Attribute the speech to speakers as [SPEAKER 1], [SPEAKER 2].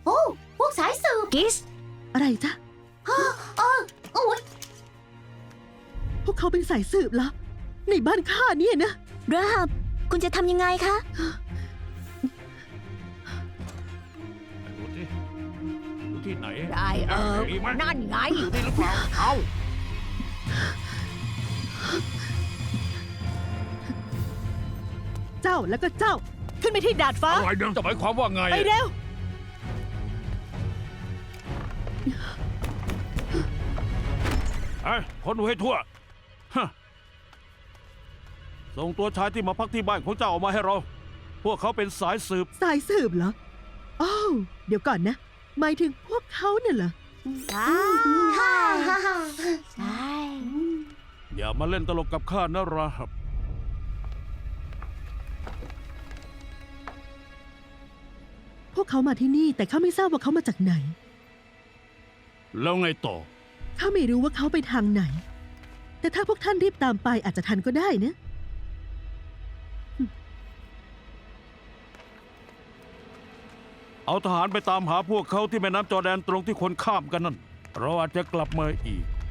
[SPEAKER 1] โอ้พวกสายสืบ
[SPEAKER 2] กิส
[SPEAKER 3] อะไรจ๊ะ
[SPEAKER 1] โอ้ย
[SPEAKER 3] พวกเขาเป็นสายสืบเหรอในบ้านข้าเนี่ยนะ
[SPEAKER 2] ราฮับคุณจะทำยังไงคะ
[SPEAKER 4] ดูที่ดูที่ไหน
[SPEAKER 5] ได้
[SPEAKER 4] มีไหม
[SPEAKER 5] นั่นไง
[SPEAKER 4] อยู่นี่หรือเปล่าเอา
[SPEAKER 3] เจ้าแล้วก็เจ้า ขึ้นไปที่ดาดฟ้า
[SPEAKER 4] อะไรเนี่ยจะหมายความว่าไง
[SPEAKER 3] ไปเร็ว
[SPEAKER 4] ไอ้คนดูให้ทั่วฮะส่งตัวชายที่มาพักที่บ้านของเจ้าออกมาให้เรา พวกเขาเป็นสายสืบ
[SPEAKER 3] สายสืบเหรออ้าวเดี๋ยวก่อนนะ หมายถึงพวกเขาเนี่ยเหรอ
[SPEAKER 1] ฮ่าฮ่าฮ่า
[SPEAKER 2] ใช่
[SPEAKER 4] อย่ามาเล่นตลกกับข้านะราฮับ
[SPEAKER 3] พวกเขามาที่นี่แต่ข้าไม่ทราบว่าเขามาจากไหน
[SPEAKER 4] แล้วไงต่อ
[SPEAKER 3] ข้าไม่รู้ว่าเขาไปทางไหน แต่ถ้าพวกท่านรีบตามไปอาจจะทันก็ได้นะ
[SPEAKER 4] เอาทหารไปตามหาพวกเขาที่แม่น้ำจอร์แดนตรงที่คนข้ามกันนั่น เราอาจจะกลับมาอีก